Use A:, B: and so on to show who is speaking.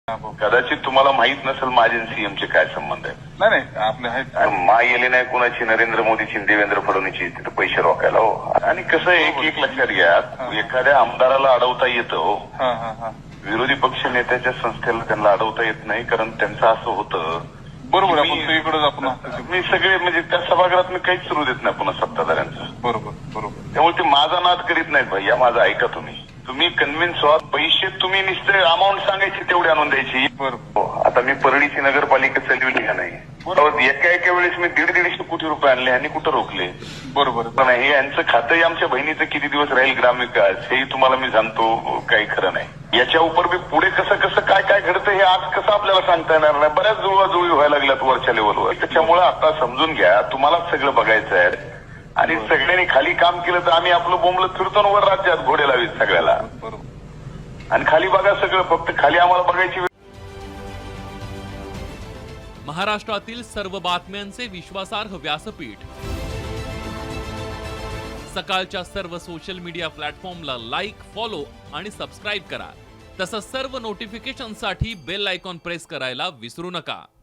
A: कदाचित तुम्हाला माहित नसेल माझे सीएमचे काय संबंध आहे.
B: नाही आपले आहेत.
A: मा येले नाही कोणाची, नरेंद्र मोदीची, देवेंद्र फडणवीसची तिथे पैसे रोखायला हो. आणि कसं एक लक्षात घ्या, एखाद्या आमदाराला अडवता येतं हो. विरोधी पक्ष नेत्याच्या संस्थेला त्यांना अडवता येत नाही, कारण त्यांचं असं होतं.
B: बरोबर, आपण सगळीकडे आपण
A: मी सगळे म्हणजे त्या सभागृहात मी काहीच सुरू देत नाही पुन्हा सत्ताधाऱ्यांचं.
B: बरोबर.
A: त्यामुळे ते माझा नाद करीत नाहीत भैया, माझा ऐका तुम्ही कन्व्हिन्स व्हा. पैसे तुम्ही नुसते अमाऊंट सांगायची तेवढी आणून द्यायची.
B: बरोबर.
A: आता मी परळीची नगरपालिका चालविली का नाही, एका वेळेस मी 150 कोटी रुपये आणले आणि कुठं रोखले.
B: बरोबर.
A: पण हे यांचं खातंही आमच्या बहिणीचं किती दिवस राहील ग्रामविकास हेही तुम्हाला मी सांगतो, काही खरं नाही. याच्या उपर मी पुढे कसं काय घडतं हे आज कसं आपल्याला सांगता येणार नाही. बऱ्याच जुळवाजुळवी व्हायला लागल्यात वरच्या लेवलवर. त्याच्यामुळे आता समजून घ्या, तुम्हालाच सगळं बघायचं आहे आणि सगळ्यांनी खाली काम केलं तर आम्ही आपलं बोंबलत फिरतो वर राज्यात घोडे लावीत सगळ्याला. आणि खाली बघा सगळं, फक्त खाली आम्हाला बघायची.
C: महाराष्ट्रातील सर्व बातम्यांचे विश्वासार्ह व्यासपीठ, सकाळच्या सर्व सोशल मीडिया प्लॅटफॉर्मला लाईक, फॉलो आणि सबस्क्राईब करा. तसंच सर्व नोटिफिकेशनसाठी बेल आयकॉन प्रेस करायला विसरू नका.